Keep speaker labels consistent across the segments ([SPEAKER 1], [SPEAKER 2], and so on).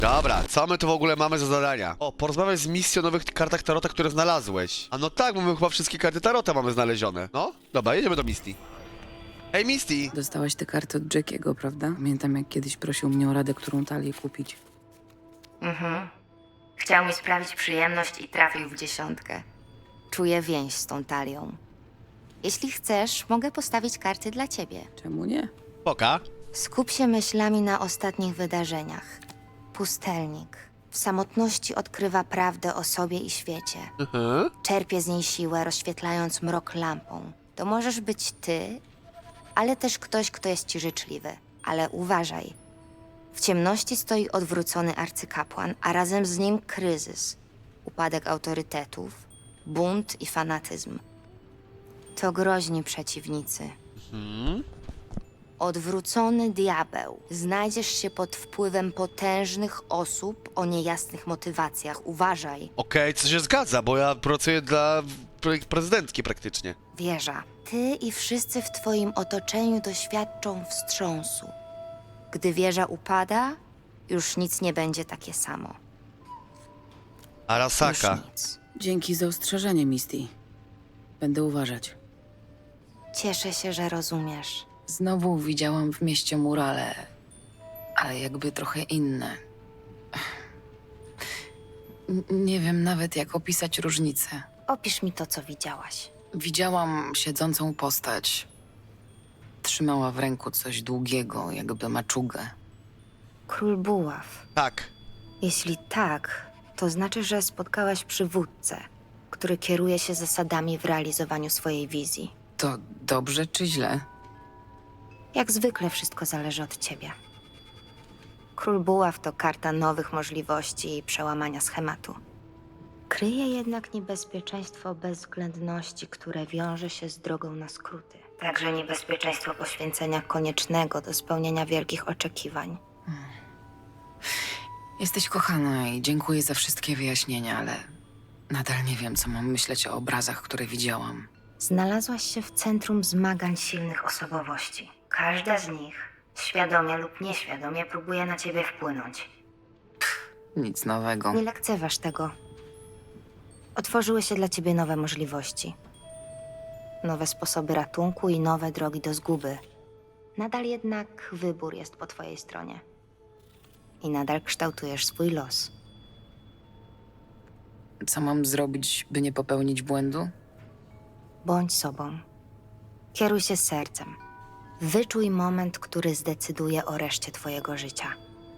[SPEAKER 1] Dobra, co my tu w ogóle mamy za zadania? O, porozmawiaj z misją o nowych kartach Tarota, które znalazłeś. A no tak, bo my chyba wszystkie karty Tarota mamy znalezione. No, dobra, jedziemy do Misty. Hej, Misty!
[SPEAKER 2] Dostałaś te karty od Jackiego, prawda? Pamiętam, jak kiedyś prosił mnie o radę, którą talię kupić.
[SPEAKER 3] Chciał mi sprawić przyjemność i trafił w 10. Czuję więź z tą talią. Jeśli chcesz, mogę postawić karty dla ciebie.
[SPEAKER 2] Czemu nie?
[SPEAKER 1] Poka.
[SPEAKER 3] Skup się myślami na ostatnich wydarzeniach. Pustelnik w samotności odkrywa prawdę o sobie i świecie. Czerpie z niej siłę, rozświetlając mrok lampą. To możesz być ty, ale też ktoś, kto jest ci życzliwy. Ale uważaj. W ciemności stoi odwrócony arcykapłan, a razem z nim kryzys, upadek autorytetów, bunt i fanatyzm. To groźni przeciwnicy. Odwrócony diabeł. Znajdziesz się pod wpływem potężnych osób o niejasnych motywacjach. Uważaj.
[SPEAKER 1] Okej, co się zgadza, bo ja pracuję dla prezydentki praktycznie.
[SPEAKER 3] Wieża. Ty i wszyscy w twoim otoczeniu doświadczą wstrząsu. Gdy wieża upada, już nic nie będzie takie samo.
[SPEAKER 1] Arasaka.
[SPEAKER 3] Już nic.
[SPEAKER 2] Dzięki za ostrzeżenie, Misty. Będę uważać.
[SPEAKER 3] Cieszę się, że rozumiesz.
[SPEAKER 2] Znowu widziałam w mieście murale, ale jakby trochę inne. Nie wiem nawet, jak opisać różnicę.
[SPEAKER 3] Opisz mi to, co widziałaś.
[SPEAKER 2] Widziałam siedzącą postać. Trzymała w ręku coś długiego, jakby maczugę.
[SPEAKER 3] Król Buław.
[SPEAKER 1] Tak.
[SPEAKER 3] Jeśli tak, to znaczy, że spotkałaś przywódcę, który kieruje się zasadami w realizowaniu swojej wizji.
[SPEAKER 2] To dobrze czy źle?
[SPEAKER 3] Jak zwykle wszystko zależy od ciebie. Król Buław to karta nowych możliwości i przełamania schematu. Kryje jednak niebezpieczeństwo bezwzględności, które wiąże się z drogą na skróty. Także niebezpieczeństwo poświęcenia koniecznego do spełnienia wielkich oczekiwań.
[SPEAKER 2] Jesteś kochana i dziękuję za wszystkie wyjaśnienia, ale nadal nie wiem, co mam myśleć o obrazach, które widziałam.
[SPEAKER 3] Znalazłaś się w centrum zmagań silnych osobowości. Każda z nich, świadomie lub nieświadomie, próbuje na ciebie wpłynąć.
[SPEAKER 2] Nic nowego.
[SPEAKER 3] Nie lekceważ tego. Otworzyły się dla ciebie nowe możliwości. Nowe sposoby ratunku i nowe drogi do zguby. Nadal jednak wybór jest po twojej stronie. I nadal kształtujesz swój los.
[SPEAKER 2] Co mam zrobić, by nie popełnić błędu?
[SPEAKER 3] Bądź sobą. Kieruj się sercem. Wyczuj moment, który zdecyduje o reszcie twojego życia.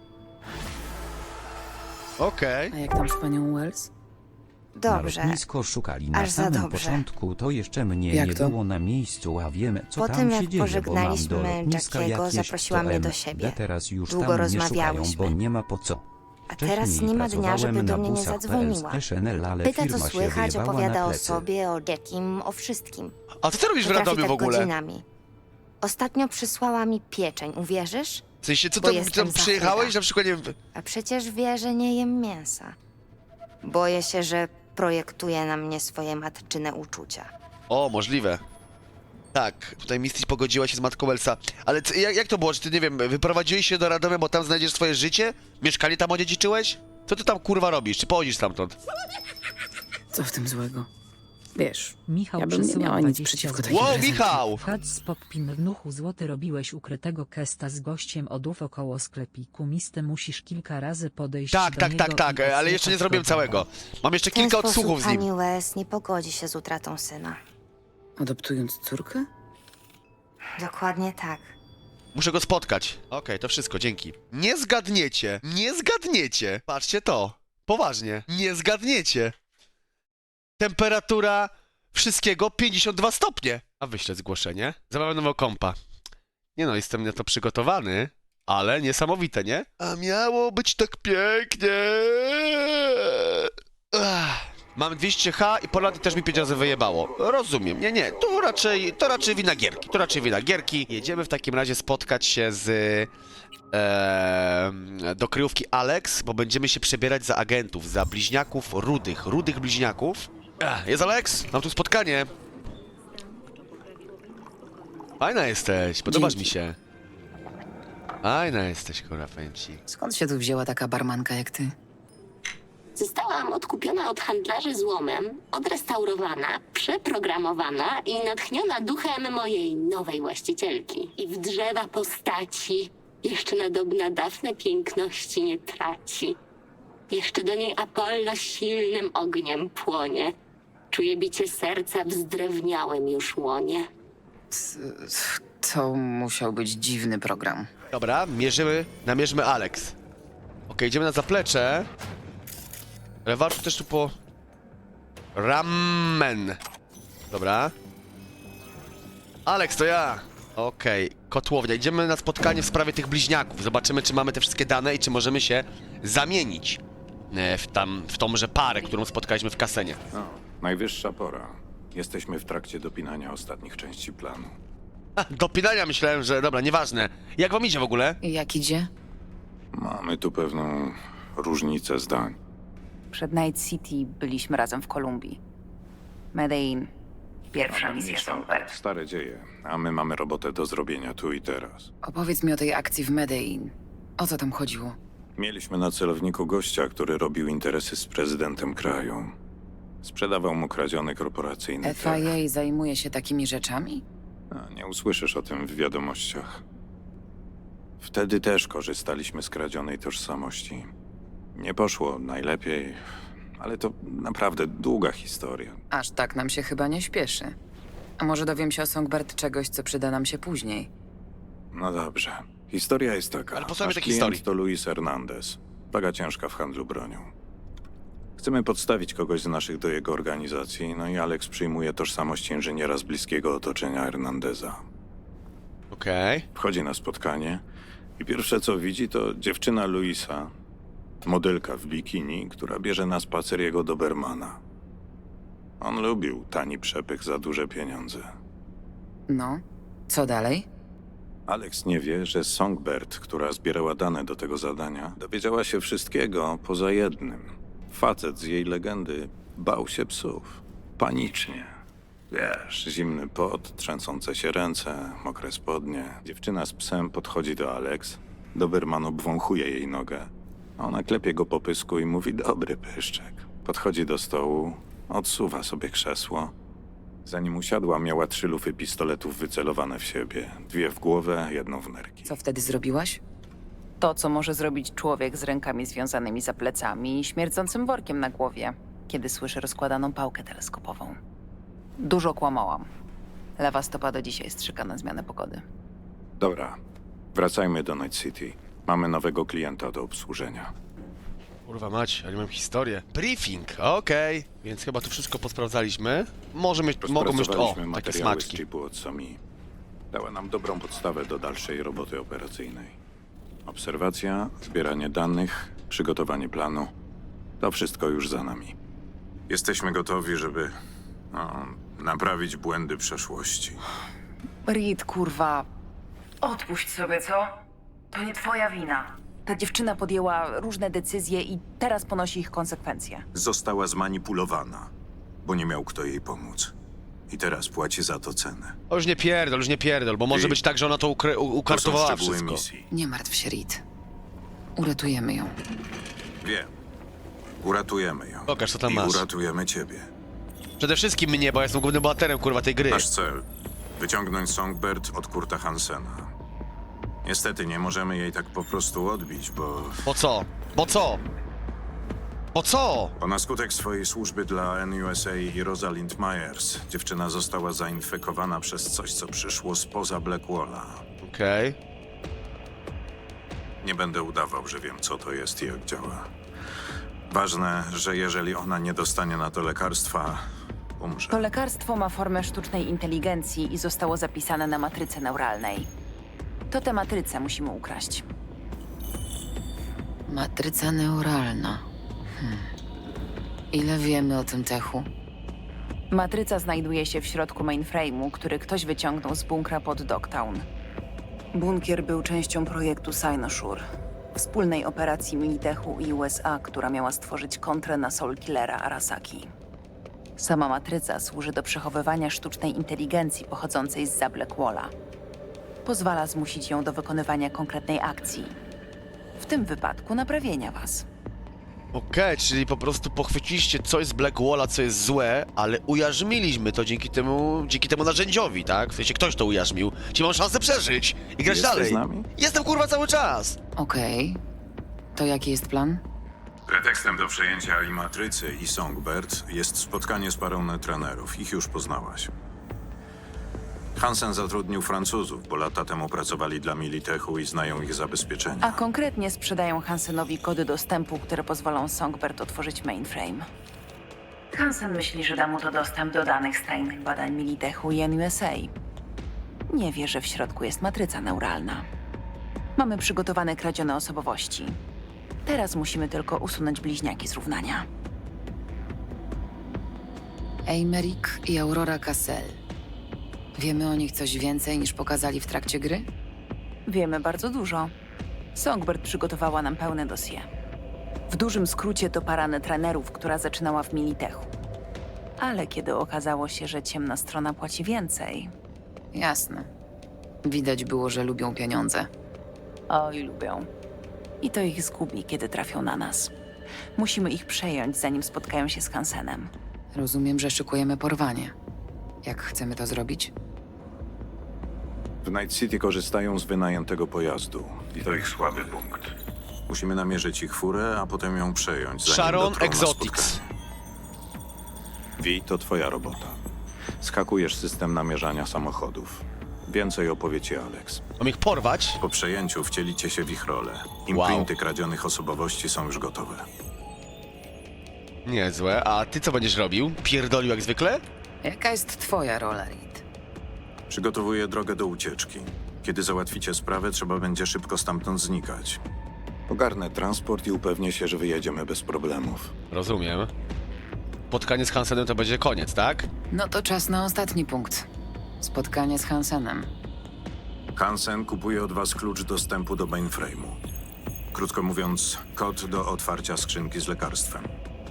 [SPEAKER 1] Okej.
[SPEAKER 2] A jak tam z panią Wells?
[SPEAKER 4] Na
[SPEAKER 3] Dobrze.
[SPEAKER 4] lotnisko szukali na
[SPEAKER 3] Aż za
[SPEAKER 4] samym
[SPEAKER 3] dobrze.
[SPEAKER 4] początku, to jeszcze mnie
[SPEAKER 2] Jak
[SPEAKER 4] nie
[SPEAKER 2] to?
[SPEAKER 4] było na miejscu, a wiemy, co
[SPEAKER 3] Po
[SPEAKER 4] tam
[SPEAKER 3] tym,
[SPEAKER 4] się
[SPEAKER 3] jak
[SPEAKER 4] dzieje, bo mam
[SPEAKER 3] pożegnaliśmy
[SPEAKER 4] do lotniska
[SPEAKER 3] Jackiego,
[SPEAKER 4] jakieś
[SPEAKER 3] zaprosiła mnie do
[SPEAKER 4] MD,
[SPEAKER 3] siebie.
[SPEAKER 4] teraz już
[SPEAKER 3] Długo
[SPEAKER 4] tam nie szukają,
[SPEAKER 3] rozmawiałyśmy.
[SPEAKER 4] bo nie ma po co.
[SPEAKER 3] A teraz
[SPEAKER 4] Wcześniej
[SPEAKER 3] nie ma dnia, żeby
[SPEAKER 4] pracowałem
[SPEAKER 3] do
[SPEAKER 4] na
[SPEAKER 3] mnie nie
[SPEAKER 4] busach
[SPEAKER 3] zadzwoniła.
[SPEAKER 4] PLS SNL, ale
[SPEAKER 3] Pyta, co
[SPEAKER 4] firma się
[SPEAKER 3] słychać,
[SPEAKER 4] wyjebała
[SPEAKER 3] opowiada
[SPEAKER 4] na
[SPEAKER 3] o
[SPEAKER 4] plecy.
[SPEAKER 3] sobie, o Jackim, o wszystkim.
[SPEAKER 1] A co ty robisz w
[SPEAKER 3] Potrafi
[SPEAKER 1] Radomiu
[SPEAKER 3] tak
[SPEAKER 1] w ogóle?
[SPEAKER 3] godzinami. Ostatnio przysłała mi pieczeń, uwierzysz?
[SPEAKER 1] W sensie, co
[SPEAKER 3] Bo
[SPEAKER 1] tam,
[SPEAKER 3] jestem
[SPEAKER 1] tam przyjechałeś?
[SPEAKER 3] zachwyta.
[SPEAKER 1] Na przykład, nie wiem...
[SPEAKER 3] A przecież wie, że nie jem mięsa. Boję się, że projektuje na mnie swoje matczyne uczucia.
[SPEAKER 1] O, możliwe. Tak, tutaj Misty pogodziła się z matką Elsa. Ale jak to było? Czy ty, nie wiem, wyprowadziłeś się do Radomia, bo tam znajdziesz swoje życie? Mieszkanie tam odziedziczyłeś? Co ty tam kurwa robisz? Czy pochodzisz stamtąd?
[SPEAKER 2] Co w tym złego? Wiesz,
[SPEAKER 5] Michał
[SPEAKER 2] ja bym nie
[SPEAKER 5] przesyła
[SPEAKER 2] miała nic
[SPEAKER 5] 20
[SPEAKER 2] przeciwko
[SPEAKER 5] złotych.
[SPEAKER 2] takim
[SPEAKER 1] Wow,
[SPEAKER 2] prezentom.
[SPEAKER 1] Michał!
[SPEAKER 5] Hadz z Poppin w nuchu złoty robiłeś ukrytego kesta z gościem odów około sklepiku. Misty musisz kilka razy podejść
[SPEAKER 1] Tak,
[SPEAKER 5] do
[SPEAKER 1] tak,
[SPEAKER 5] niego
[SPEAKER 1] tak, tak,
[SPEAKER 5] i
[SPEAKER 1] ale jeszcze nie
[SPEAKER 5] odsłuchać
[SPEAKER 1] zrobiłem
[SPEAKER 5] go.
[SPEAKER 1] całego. Mam jeszcze
[SPEAKER 3] W ten
[SPEAKER 1] kilka
[SPEAKER 3] sposób
[SPEAKER 1] odsłuchów z nim.
[SPEAKER 3] pani Wes nie pogodzi się z utratą syna.
[SPEAKER 2] Adoptując córkę?
[SPEAKER 3] Dokładnie tak.
[SPEAKER 1] Muszę go spotkać. Okej, to wszystko, dzięki. Nie zgadniecie, nie zgadniecie. Patrzcie to. Poważnie, nie zgadniecie. Temperatura wszystkiego 52 stopnie. A wyślę zgłoszenie. Zamawiam nowego kompa. Nie no, jestem na to przygotowany, ale niesamowite, nie? A miało być tak pięknie. Mam 200H i Polady też mi 5 razy wyjebało. Rozumiem, nie, to raczej wina gierki, Jedziemy w takim razie spotkać się z... do kryjówki Alex, bo będziemy się przebierać za agentów, za bliźniaków rudych bliźniaków. Jest Alex, mam tu spotkanie. Fajna jesteś, podobasz
[SPEAKER 2] Dzięki.
[SPEAKER 1] mi się. Fajna jesteś, kurwa, powiem ci.
[SPEAKER 2] Skąd się tu wzięła taka barmanka jak ty?
[SPEAKER 6] Zostałam odkupiona od handlarzy złomem, odrestaurowana, przeprogramowana i natchniona duchem mojej nowej właścicielki. I w drzewa postaci jeszcze nadobna Dafne piękności nie traci. Jeszcze do niej Apollo silnym ogniem płonie. Czuję bicie serca w zdrewniałym już łonie.
[SPEAKER 2] To musiał być dziwny program.
[SPEAKER 1] Dobra, namierzmy Alex. Okej, idziemy na zaplecze. Ale warto też tu po... Ramen. Dobra. Alex, to ja. Okej, kotłownia. Idziemy na spotkanie w sprawie tych bliźniaków. Zobaczymy, czy mamy te wszystkie dane i czy możemy się zamienić w tąże parę, którą spotkaliśmy w kasenie.
[SPEAKER 7] No, najwyższa pora. Jesteśmy w trakcie dopinania ostatnich części planu.
[SPEAKER 1] Dopinania myślałem, że... Dobra, nieważne. Jak wam idzie w ogóle?
[SPEAKER 2] I jak idzie?
[SPEAKER 7] Mamy tu pewną różnicę zdań.
[SPEAKER 8] Przed Night City byliśmy razem w Kolumbii. Medellin. Pierwsza misja Songbird.
[SPEAKER 7] Stare dzieje, a my mamy robotę do zrobienia tu i teraz.
[SPEAKER 2] Opowiedz mi o tej akcji w Medellin. O co tam chodziło?
[SPEAKER 7] Mieliśmy na celowniku gościa, który robił interesy z prezydentem kraju. Sprzedawał mu kradziony korporacyjny tech.
[SPEAKER 2] FIA zajmuje się takimi rzeczami?
[SPEAKER 7] A, nie usłyszysz o tym w wiadomościach. Wtedy też korzystaliśmy z kradzionej tożsamości. Nie poszło najlepiej, ale to naprawdę długa historia.
[SPEAKER 2] Aż tak nam się chyba nie śpieszy. A może dowiem się o Songbird czegoś, co przyda nam się później?
[SPEAKER 7] No dobrze. Historia jest taka.
[SPEAKER 1] Ale posłuchajmy
[SPEAKER 7] Nasz
[SPEAKER 1] tej
[SPEAKER 7] klient
[SPEAKER 1] historii.
[SPEAKER 7] to Luis Hernandez. Waga ciężka w handlu bronią. Chcemy podstawić kogoś z naszych do jego organizacji, no i Alex przyjmuje tożsamość inżyniera z bliskiego otoczenia Hernandeza.
[SPEAKER 1] Okej.
[SPEAKER 7] Wchodzi na spotkanie i pierwsze co widzi to dziewczyna Luisa, modelka w bikini, która bierze na spacer jego Dobermana. On lubił tani przepych za duże pieniądze.
[SPEAKER 2] No, co dalej?
[SPEAKER 7] Alex nie wie, że Songbird, która zbierała dane do tego zadania, dowiedziała się wszystkiego poza jednym. Facet z jej legendy bał się psów. Panicznie. Wiesz, zimny pot, trzęsące się ręce, mokre spodnie. Dziewczyna z psem podchodzi do Alex. Doberman obwąchuje jej nogę. A ona klepie go po pysku i mówi: dobry pyszczek. Podchodzi do stołu, odsuwa sobie krzesło. Zanim usiadła, miała 3 lufy pistoletów wycelowane w siebie. 2 w głowę, 1 w nerki.
[SPEAKER 2] Co wtedy zrobiłaś?
[SPEAKER 8] To, co może zrobić człowiek z rękami związanymi za plecami i śmierdzącym workiem na głowie, kiedy słyszy rozkładaną pałkę teleskopową. Dużo kłamałam. Lewa stopa do dzisiaj strzyka na zmianę pogody.
[SPEAKER 7] Dobra, wracajmy do Night City. Mamy nowego klienta do obsłużenia.
[SPEAKER 1] Kurwa mać, ale mam historię. Briefing, okej. Więc chyba tu wszystko posprawdzaliśmy. Mogą być,
[SPEAKER 7] Rozpracowaliśmy
[SPEAKER 1] takie
[SPEAKER 7] materiały z
[SPEAKER 1] smaczki.
[SPEAKER 7] chipu od Somi. Dała nam dobrą podstawę do dalszej roboty operacyjnej. Obserwacja, zbieranie danych, przygotowanie planu. To wszystko już za nami. Jesteśmy gotowi, żeby naprawić błędy przeszłości.
[SPEAKER 8] Reed, kurwa. Odpuść sobie, co? To nie twoja wina. Ta dziewczyna podjęła różne decyzje i teraz ponosi ich konsekwencje.
[SPEAKER 9] Została zmanipulowana, bo nie miał kto jej pomóc. I teraz płaci za to cenę.
[SPEAKER 1] O, już nie pierdol, bo może
[SPEAKER 9] Ty-
[SPEAKER 1] być tak, że ona to
[SPEAKER 9] To są
[SPEAKER 1] ukartowała
[SPEAKER 9] szczegóły
[SPEAKER 1] wszystko.
[SPEAKER 9] misji.
[SPEAKER 2] Nie martw się, Reed. Uratujemy ją.
[SPEAKER 9] Wiem. Uratujemy ją.
[SPEAKER 1] Pokaż, co tam
[SPEAKER 9] I
[SPEAKER 1] masz.
[SPEAKER 9] uratujemy ciebie.
[SPEAKER 1] Przede wszystkim mnie, bo ja jestem głównym bohaterem, kurwa, tej gry.
[SPEAKER 9] Nasz cel. Wyciągnąć Songbird od Kurta Hansena. Niestety nie możemy jej tak po prostu odbić, bo
[SPEAKER 1] Po co? Po co? Po co?
[SPEAKER 9] na skutek swojej służby dla NUSA i Rosalind Myers dziewczyna została zainfekowana przez coś, co przyszło spoza Blackwalla.
[SPEAKER 1] Okej.
[SPEAKER 9] Nie będę udawał, że wiem, co to jest i jak działa. Ważne, że jeżeli ona nie dostanie na to lekarstwa, umrze.
[SPEAKER 8] To lekarstwo ma formę sztucznej inteligencji i zostało zapisane na matryce neuralnej. To tę matrycę musimy ukraść.
[SPEAKER 2] Matryca neuralna. Ile wiemy o tym techu?
[SPEAKER 8] Matryca znajduje się w środku mainframe'u, który ktoś wyciągnął z bunkra pod Dogtown. Bunkier był częścią projektu Cynosure, wspólnej operacji Militechu i USA, która miała stworzyć kontrę na Soul Killera Arasaki. Sama matryca służy do przechowywania sztucznej inteligencji pochodzącej zza Blackwalla. pozwala zmusić ją do wykonywania konkretnej akcji. W tym wypadku naprawienia was.
[SPEAKER 1] Okej, czyli po prostu pochwyciliście coś z Black Walla, co jest złe, ale ujarzmiliśmy to dzięki temu narzędziowi, tak? W sensie ktoś to ujarzmił. Czyli mam szansę przeżyć i grać
[SPEAKER 7] Jesteś
[SPEAKER 1] dalej.
[SPEAKER 7] z nami?
[SPEAKER 1] Jestem kurwa cały czas!
[SPEAKER 2] Okej. To jaki jest plan?
[SPEAKER 9] Pretekstem do przejęcia i Matrycy, i Songbird jest spotkanie z parą netranerów. Ich już poznałaś. Hansen zatrudnił Francuzów, bo lata temu pracowali dla Militechu i znają ich zabezpieczenia.
[SPEAKER 8] A konkretnie sprzedają Hansenowi kody dostępu, które pozwolą Songbird otworzyć mainframe. Hansen myśli, że da mu to dostęp do danych z tajnych badań Militechu i NUSA. Nie wie, że w środku jest matryca neuralna. Mamy przygotowane kradzione osobowości. Teraz musimy tylko usunąć bliźniaki z równania.
[SPEAKER 2] Eimerick i Aurora Cassel. Wiemy o nich coś więcej niż pokazali w trakcie gry?
[SPEAKER 8] Wiemy bardzo dużo. Songbird przygotowała nam pełne dossier. W dużym skrócie to para netranerów, która zaczynała w Militechu. Ale kiedy okazało się, że ciemna strona płaci więcej...
[SPEAKER 2] Jasne. Widać było, że lubią pieniądze.
[SPEAKER 8] Oj, lubią. I to ich zgubi, kiedy trafią na nas. Musimy ich przejąć, zanim spotkają się z Hansenem.
[SPEAKER 2] Rozumiem, że szykujemy porwanie. Jak chcemy to zrobić?
[SPEAKER 9] W Night City korzystają z wynajętego pojazdu. I to ich słaby punkt. Musimy namierzyć ich furę, a potem ją przejąć, zanim
[SPEAKER 1] Sharon
[SPEAKER 9] dotrą na
[SPEAKER 1] Exotics.
[SPEAKER 9] spotkanie. Wi, to twoja robota. Skakujesz system namierzania samochodów. Więcej opowie ci Alex.
[SPEAKER 1] Mam ich porwać?
[SPEAKER 9] Po przejęciu wcielicie się w ich rolę. Imprinty kradzionych osobowości są już gotowe.
[SPEAKER 1] Niezłe. A ty co będziesz robił? Pierdolił jak zwykle?
[SPEAKER 2] Jaka jest twoja rola, Reed?
[SPEAKER 9] Przygotowuję drogę do ucieczki. Kiedy załatwicie sprawę, trzeba będzie szybko stamtąd znikać. Ogarnę transport i upewnię się, że wyjedziemy bez problemów.
[SPEAKER 1] Rozumiem. Spotkanie z Hansenem to będzie koniec, tak?
[SPEAKER 2] No to czas na ostatni punkt. Spotkanie z Hansenem.
[SPEAKER 9] Hansen kupuje od was klucz dostępu do mainframe'u. Krótko mówiąc, kod do otwarcia skrzynki z lekarstwem.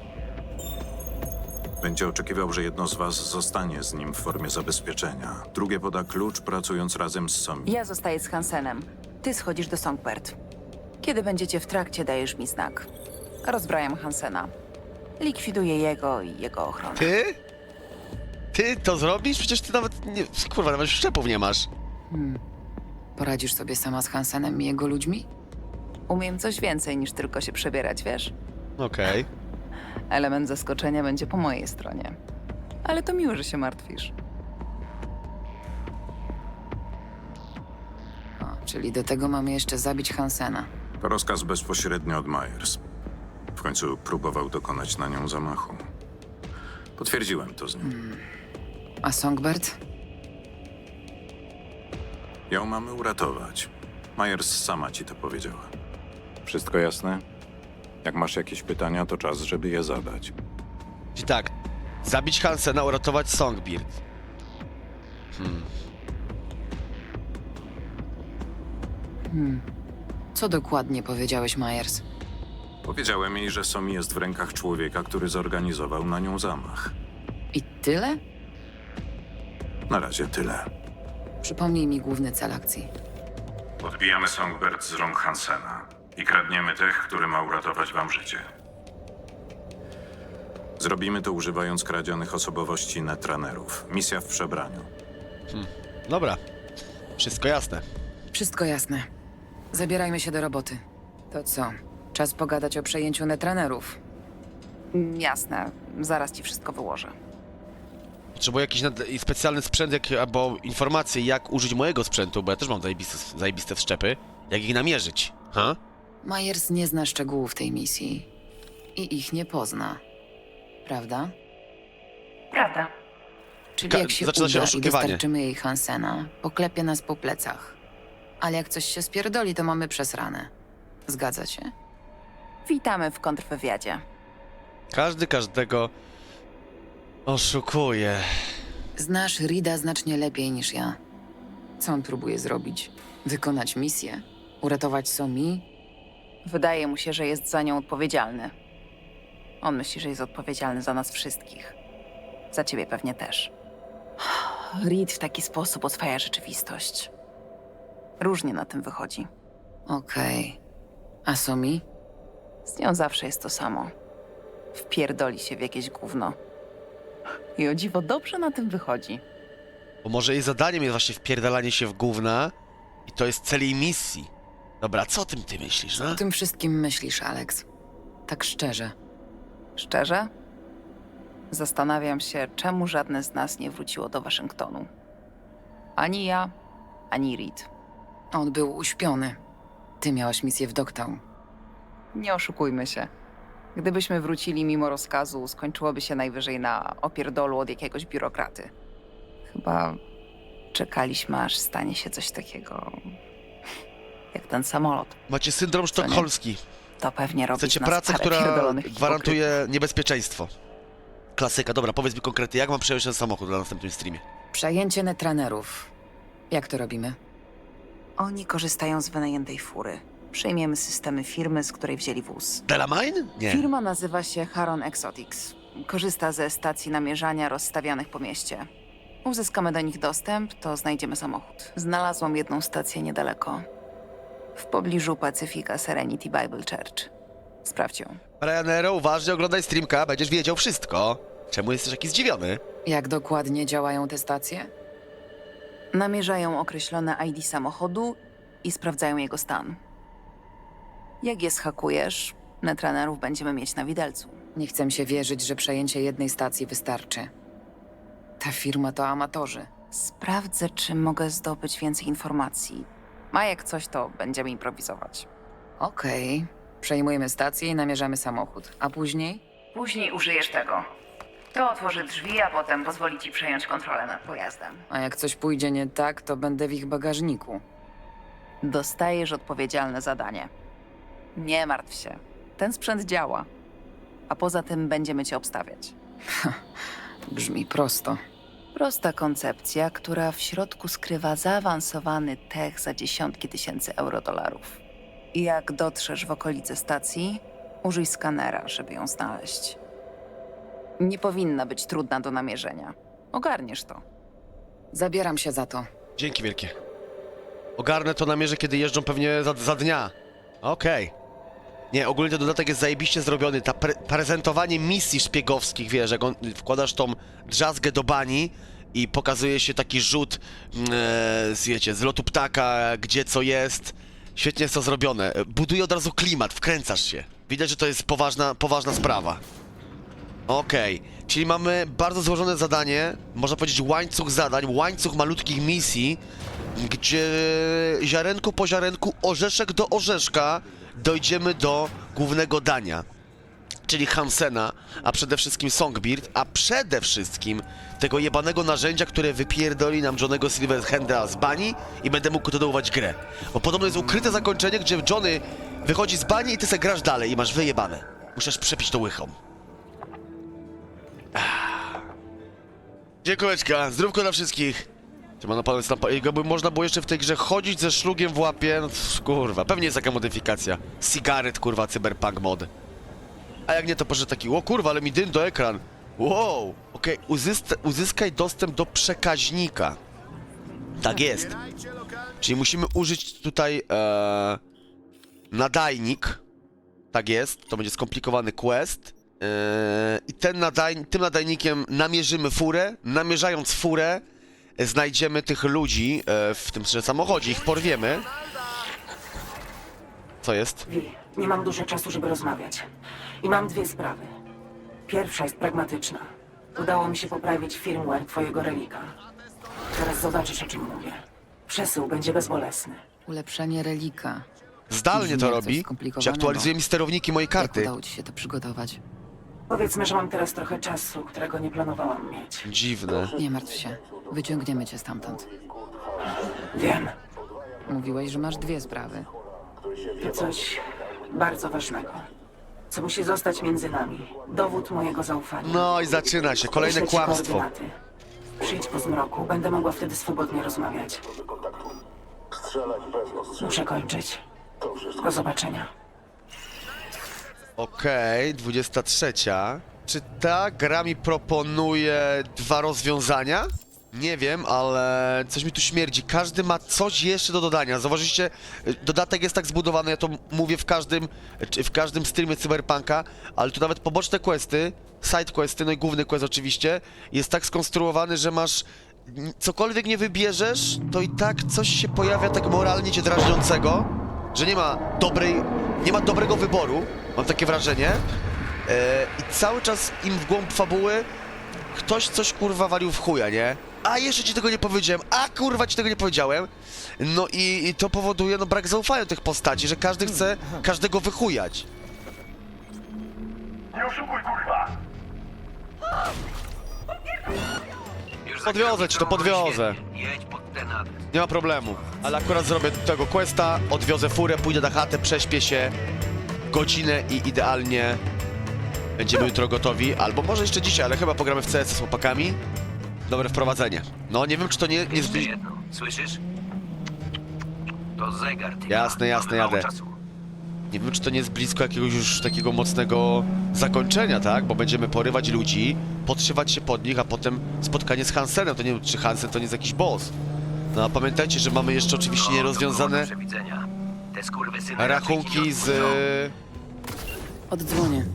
[SPEAKER 9] Będzie oczekiwał, że jedno z was zostanie z nim w formie zabezpieczenia. Drugie poda klucz, pracując razem z Somi.
[SPEAKER 8] Ja zostaję z Hansenem. Ty schodzisz do Songbird. Kiedy będziecie w trakcie, dajesz mi znak. Rozbrajam Hansena. Likwiduję jego i jego ochronę.
[SPEAKER 1] Ty? Ty to zrobisz? Przecież ty nawet nie... Kurwa, nawet szczepów nie masz.
[SPEAKER 2] Poradzisz sobie sama z Hansenem i jego ludźmi?
[SPEAKER 8] Umiem coś więcej niż tylko się przebierać, wiesz?
[SPEAKER 1] Okej.
[SPEAKER 8] Element zaskoczenia będzie po mojej stronie. Ale to miło, że się martwisz.
[SPEAKER 2] O, czyli do tego mamy jeszcze zabić Hansena.
[SPEAKER 9] To rozkaz bezpośrednio od Myers. W końcu próbował dokonać na nią zamachu. Potwierdziłem to z nim.
[SPEAKER 2] A Songbird?
[SPEAKER 9] Ją mamy uratować. Myers sama ci to powiedziała. Wszystko jasne? Jak masz jakieś pytania, to czas, żeby je zadać.
[SPEAKER 1] Czyli tak, zabić Hansena, uratować Songbird.
[SPEAKER 2] Co dokładnie powiedziałeś, Myers?
[SPEAKER 9] Powiedziałem jej, że Somi jest w rękach człowieka, który zorganizował na nią zamach.
[SPEAKER 2] I tyle?
[SPEAKER 9] Na razie tyle.
[SPEAKER 2] Przypomnij mi główny cel akcji.
[SPEAKER 9] Odbijamy Songbird z rąk Hansena i kradniemy tych, który ma uratować wam życie. Zrobimy to używając kradzionych osobowości netranerów. Misja w przebraniu.
[SPEAKER 1] Dobra. Wszystko jasne.
[SPEAKER 2] Wszystko jasne. Zabierajmy się do roboty. To co? Czas pogadać o przejęciu netranerów.
[SPEAKER 8] Jasne, zaraz ci wszystko wyłożę.
[SPEAKER 1] Potrzebuję jakiś specjalny sprzęt, albo informacje, jak użyć mojego sprzętu, bo ja też mam zajebiste wszczepy. Jak ich namierzyć, ha?
[SPEAKER 2] Myers nie zna szczegółów tej misji. I ich nie pozna. Prawda?
[SPEAKER 8] Prawda.
[SPEAKER 2] Czyli jak się
[SPEAKER 1] zaczyna się
[SPEAKER 2] uda i
[SPEAKER 1] oszukiwanie.
[SPEAKER 2] dostarczymy jej Hansena, poklepie nas po plecach. Ale jak coś się spierdoli, to mamy przesrane. Zgadza się?
[SPEAKER 8] Witamy w kontrwywiadzie.
[SPEAKER 1] Każdy każdego oszukuje.
[SPEAKER 2] Znasz Reeda znacznie lepiej niż ja. Co on próbuje zrobić? Wykonać misję? Uratować Somi?
[SPEAKER 8] Wydaje mu się, że jest za nią odpowiedzialny. On myśli, że jest odpowiedzialny za nas wszystkich. Za ciebie pewnie też. Reed w taki sposób oswaja rzeczywistość. Różnie na tym wychodzi.
[SPEAKER 2] Okej. A Somi?
[SPEAKER 8] Z nią zawsze jest to samo. Wpierdoli się w jakieś gówno. I o dziwo dobrze na tym wychodzi.
[SPEAKER 1] Bo może jej zadaniem jest właśnie wpierdalanie się w gówna i to jest cel jej misji. Dobra, co o tym ty myślisz, no?
[SPEAKER 2] O tym wszystkim myślisz, Alex. Tak szczerze.
[SPEAKER 8] Szczerze? Zastanawiam się, czemu żadne z nas nie wróciło do Waszyngtonu. Ani ja, ani Reed.
[SPEAKER 2] On był uśpiony. Ty miałaś misję w Dogtown.
[SPEAKER 8] Nie oszukujmy się. Gdybyśmy wrócili mimo rozkazu, skończyłoby się najwyżej na opierdolu od jakiegoś biurokraty. Chyba czekaliśmy, aż stanie się coś takiego jak ten samolot.
[SPEAKER 1] Macie syndrom
[SPEAKER 8] Co nie?
[SPEAKER 1] sztokholmski.
[SPEAKER 8] To pewnie robi
[SPEAKER 1] Chcecie
[SPEAKER 8] z nas
[SPEAKER 1] pracę,
[SPEAKER 8] parę
[SPEAKER 1] która
[SPEAKER 8] pierdolonych
[SPEAKER 1] gwarantuje niebezpieczeństwo. Klasyka. Dobra, powiedz mi konkretnie, jak mam przejąć ten samochód na następnym streamie?
[SPEAKER 2] Przejęcie netranerów. Jak to robimy?
[SPEAKER 8] Oni korzystają z wynajętej fury. Przejmiemy systemy firmy, z której wzięli wóz.
[SPEAKER 1] Delamine? Nie.
[SPEAKER 8] Firma nazywa się Haron Exotics. Korzysta ze stacji namierzania rozstawianych po mieście. Uzyskamy do nich dostęp, to znajdziemy samochód. Znalazłam jedną stację niedaleko. W pobliżu Pacyfika Serenity Bible Church. Sprawdź ją.
[SPEAKER 1] Ryanairo, uważnie oglądaj streamka, będziesz wiedział wszystko. Czemu jesteś taki zdziwiony?
[SPEAKER 2] Jak dokładnie działają te stacje?
[SPEAKER 8] Namierzają określone ID samochodu i sprawdzają jego stan. Jak je schakujesz, netranerów będziemy mieć na widelcu.
[SPEAKER 2] Nie chcę się wierzyć, że przejęcie jednej stacji wystarczy. Ta firma to amatorzy.
[SPEAKER 8] Sprawdzę, czy mogę zdobyć więcej informacji. A jak coś, to będziemy improwizować.
[SPEAKER 2] Okej. Przejmujemy stację i namierzamy samochód. A później?
[SPEAKER 8] Później użyjesz tego. To otworzy drzwi, a potem pozwoli ci przejąć kontrolę nad pojazdem.
[SPEAKER 2] A jak coś pójdzie nie tak, to będę w ich bagażniku.
[SPEAKER 8] Dostajesz odpowiedzialne zadanie. Nie martw się. Ten sprzęt działa. A poza tym będziemy cię obstawiać.
[SPEAKER 2] Brzmi prosto.
[SPEAKER 8] Prosta koncepcja, która w środku skrywa zaawansowany tech za dziesiątki tysięcy euro-dolarów. I jak dotrzesz w okolice stacji, użyj skanera, żeby ją znaleźć. Nie powinna być trudna do namierzenia. Ogarniesz to.
[SPEAKER 2] Zabieram się za to.
[SPEAKER 1] Dzięki wielkie. Ogarnę to namierzę, kiedy jeżdżą pewnie za dnia. Okej. Nie, ogólnie ten dodatek jest zajebiście zrobiony. Ta prezentowanie misji szpiegowskich, wiesz, jak wkładasz tą drzazgę do bani i pokazuje się taki rzut, wiecie, z lotu ptaka, gdzie co jest. Świetnie jest to zrobione. Buduje od razu klimat, wkręcasz się. Widać, że to jest poważna sprawa. Okej, czyli mamy bardzo złożone zadanie, można powiedzieć łańcuch zadań, łańcuch malutkich misji, gdzie ziarenko po ziarenku, orzeszek do orzeszka dojdziemy do głównego dania, czyli Hansena, a przede wszystkim Songbird, a przede wszystkim tego jebanego narzędzia, które wypierdoli nam Johnnego Silverhanda z bani i będę mógł kontynuować grę. Bo podobno jest ukryte zakończenie, gdzie Johnny wychodzi z bani i ty se grasz dalej i masz wyjebane. Musisz przepić to łychą. Dziękułeczka, zdrówko dla wszystkich. Jakby można było jeszcze w tej grze chodzić ze szlugiem w łapie, no kurwa, pewnie jest taka modyfikacja. Cigaret, kurwa, cyberpunk mod. A jak nie, to proszę taki, o kurwa, ale mi dym do ekran. Wow, okej, uzyskaj dostęp do przekaźnika. Tak jest. Czyli musimy użyć tutaj nadajnik. Tak jest, to będzie skomplikowany quest. I tym nadajnikiem namierzymy furę. Namierzając furę, znajdziemy tych ludzi w tym samochodzie, ich porwiemy. Co jest?
[SPEAKER 10] Nie mam dużo czasu, żeby rozmawiać. I mam dwie sprawy. Pierwsza jest pragmatyczna. Udało mi się poprawić firmware twojego relika. Zaraz zobaczysz, o czym mówię. Przesył będzie bezbolesny.
[SPEAKER 2] Ulepszenie relika.
[SPEAKER 1] Zdalnie
[SPEAKER 2] Brzmi
[SPEAKER 1] to
[SPEAKER 2] jak coś
[SPEAKER 1] robi. Czy
[SPEAKER 2] skomplikowanego.
[SPEAKER 1] aktualizuje mi sterowniki mojej
[SPEAKER 2] Jak
[SPEAKER 1] karty.
[SPEAKER 2] udało ci się to przygotować?
[SPEAKER 10] Powiedzmy, że mam teraz trochę czasu, którego nie planowałam mieć.
[SPEAKER 1] Dziwne.
[SPEAKER 2] Nie martw się. Wyciągniemy cię stamtąd.
[SPEAKER 10] Wiem,
[SPEAKER 2] Mówiłeś, że masz dwie sprawy.
[SPEAKER 10] to coś bardzo ważnego. Co musi zostać między nami. Dowód mojego zaufania.
[SPEAKER 1] No i zaczyna się, kolejne
[SPEAKER 10] Wyślę ci
[SPEAKER 1] kłamstwo.
[SPEAKER 10] koordynaty. Przyjdź po zmroku, będę mogła wtedy swobodnie rozmawiać. Muszę kończyć. Do zobaczenia.
[SPEAKER 1] Okej, 23. Czy ta gra mi proponuje dwa rozwiązania? Nie wiem, ale coś mi tu śmierdzi. Każdy ma coś jeszcze do dodania. Zauważyliście, dodatek jest tak zbudowany, ja to mówię w każdym streamie Cyberpunka, ale tu nawet poboczne questy, side questy, no i główny quest oczywiście, jest tak skonstruowany, że masz... Cokolwiek nie wybierzesz, to i tak coś się pojawia tak moralnie cię drażniącego, że nie ma dobrego wyboru, mam takie wrażenie. I cały czas im w głąb fabuły ktoś coś kurwa walił w chuja, nie? A jeszcze ci tego nie powiedziałem, a kurwa ci tego nie powiedziałem. No i to powoduje no brak zaufania do tych postaci, że każdy chce każdego wychujać.
[SPEAKER 11] Nie oszukuj, kurwa!
[SPEAKER 1] Podwiozę ci to, podwiozę.
[SPEAKER 11] Jedź pod ten adres.
[SPEAKER 1] Nie ma problemu. Ale akurat zrobię tego questa, odwiozę furę, pójdę na chatę, prześpię się godzinę i idealnie będziemy jutro gotowi. Albo może jeszcze dzisiaj, ale chyba pogramy w CS z chłopakami. Dobre wprowadzenie. No nie wiem, czy to nie
[SPEAKER 11] Jeszcze
[SPEAKER 1] zbliży...
[SPEAKER 11] jedno, słyszysz? To zegar, ty.
[SPEAKER 1] Jasne, jasne,
[SPEAKER 11] Mamy mało
[SPEAKER 1] jadę.
[SPEAKER 11] czasu.
[SPEAKER 1] Nie wiem, czy to nie jest blisko jakiegoś już takiego mocnego zakończenia, tak? Bo będziemy porywać ludzi, podszywać się pod nich, a potem spotkanie z Hansenem. To nie wiem, czy Hansen to nie jest jakiś boss. No a pamiętajcie, że mamy jeszcze oczywiście nierozwiązane
[SPEAKER 11] Do przewidzenia. Te skurwysyny raczej ci
[SPEAKER 1] rachunki
[SPEAKER 11] nie
[SPEAKER 1] z...
[SPEAKER 11] odpuszczą.
[SPEAKER 2] Oddzwonię.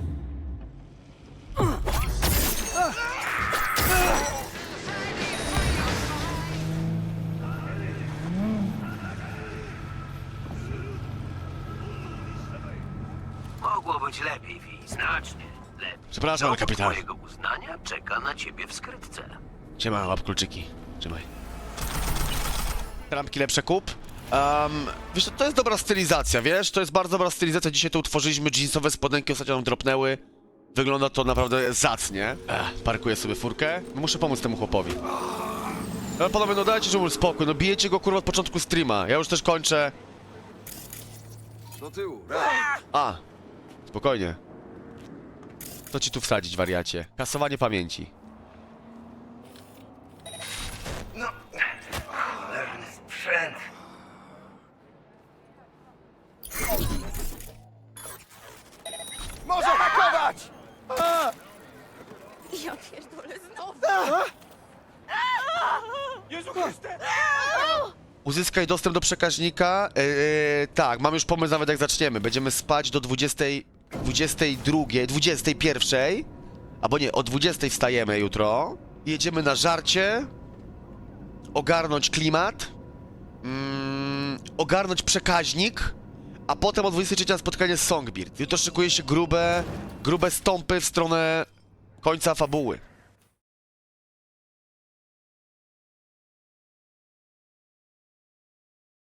[SPEAKER 11] Mogło być lepiej, Wi, znacznie lepiej.
[SPEAKER 1] Przepraszam,
[SPEAKER 11] Dowód
[SPEAKER 1] kapitan.
[SPEAKER 11] twojego uznania czeka na ciebie w skrytce.
[SPEAKER 1] Siema, łap kluczyki. Trzymaj. Trampki lepsze kup. Wiesz, to jest dobra stylizacja, wiesz? To jest bardzo dobra stylizacja. Dzisiaj tu utworzyliśmy jeansowe spodenki, ostatnio nam dropnęły. Wygląda to naprawdę zacnie. Parkuję sobie furkę. Muszę pomóc temu chłopowi. Ale panowie, no dajcie mu spokój, no bijecie go kurwa od początku streama. Ja już też kończę.
[SPEAKER 12] Do tyłu,
[SPEAKER 1] A, spokojnie. Co ci tu wsadzić, wariacie? Kasowanie pamięci.
[SPEAKER 11] Cholerny sprzęt.
[SPEAKER 12] Może hakować!
[SPEAKER 3] Ja pierdolę znowu.
[SPEAKER 12] Jezu Chryste!
[SPEAKER 1] Uzyskaj dostęp do przekaźnika. Tak, mam już pomysł nawet jak zaczniemy. Będziemy spać do 22, 21. Albo nie, o 20 wstajemy jutro. Jedziemy na żarcie. Ogarnąć klimat. Ogarnąć przekaźnik. A potem o 23 na spotkanie z Songbird. Jutro szykuje się grube stąpy w stronę końca fabuły.